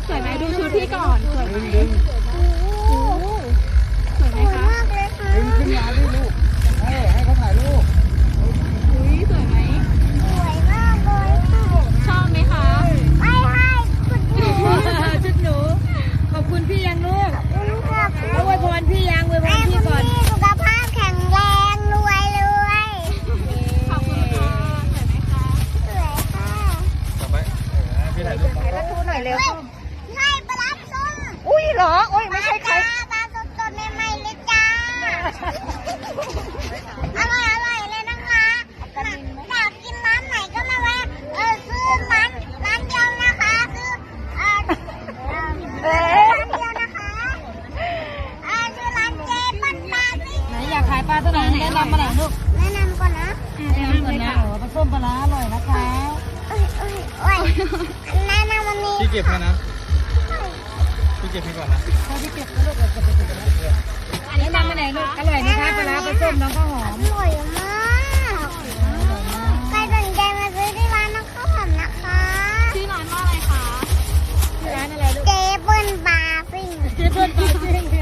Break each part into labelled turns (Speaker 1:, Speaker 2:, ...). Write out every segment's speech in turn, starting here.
Speaker 1: สวยไหมดูชุดพี่ก่อนสวยไหม
Speaker 2: ดึง
Speaker 1: สวยไหมคะ
Speaker 3: มากเลยค่ะ
Speaker 2: ดึงขึ้นมาดิลูกให้เขาถ่ายรูป
Speaker 1: อุ้ยสวยไหม
Speaker 3: สวยมากเลยค่ะ
Speaker 1: ชอบไหมคะ
Speaker 3: ไม่ให้คุณหนู
Speaker 4: ชุดหนูขอบคุณพี่ยังลูก
Speaker 3: คุณค่ะ
Speaker 4: เอาไว้พรพี่ยังไว้พ
Speaker 3: ให้
Speaker 4: รพี่
Speaker 3: คุณ
Speaker 4: ก่อน
Speaker 3: พี่สุขภาพแข็งแรงรวยรวย
Speaker 1: ขอบคุณค่ะสวยไหมคะ
Speaker 3: สวยค่ะ
Speaker 2: ต่อไปพี่ถ่ายรูป
Speaker 4: แล้วทูหน่อยเร็ว
Speaker 3: ให้ปลาส้ม
Speaker 4: อุ้ยเหรอโอ้ยไม่ใช่ใคร
Speaker 3: ปลาสดๆใหม่ๆเลยจ้าอร่อยเลยนะคะอยากกินร้านไหนก็มาแวะซื้อร้านเดียวนะคะซื้อร้านเดียวนะคะชื่อร้านเจปั้นปลาซิ่ง
Speaker 4: ไหนอยากขายปลาตัวไหนแนะนำมาไหนลูก
Speaker 3: แนะนำก่อนนะ
Speaker 4: แนะนำก่อนนะปลาส้มปลาร้าอร่อยนะคะ
Speaker 3: โอ้ยแนะนำวันนี้
Speaker 2: พี่เก็บให้นะพี่เก็บให้ก่อนนะ
Speaker 4: เขาที่เก็บแล้วลูกจะไปกินแล้วแนะนำมาไหนลูกอร่อยนะคะปลาร้าปลาส้มน้องข้าวหอม
Speaker 3: อร่อยมากใครสนใจมาซื้อที่ร้านน้องข้าวหอมนะคะ
Speaker 1: ชื่อร้านว่าอะไรคะ
Speaker 4: ที่ร้านอะไรลูก
Speaker 3: เจเปิ้ลปลาซิ่ง
Speaker 4: เจ๊เปิ้ลปลาซิ่ง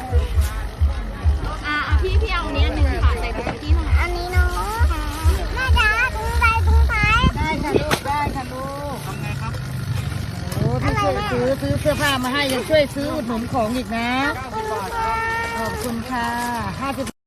Speaker 1: พี่เอาอันนี้อันหนึงค่ะใส่ถุงที่เท่าไหร่
Speaker 3: อันนี้เนาะแม่จ๋าถุงใส่ถุงไทย
Speaker 4: ได้ค่ะลูกได้ค่ะลูก
Speaker 2: ทำไงครับ
Speaker 4: โอ้พี่ช่วยซื้อเสื้อผ้ามาให้ยังช่วยซื้ออุดหนุนของอีกนะ
Speaker 3: ขอบคุณค่ะ
Speaker 4: ขอบคุณค่ะ50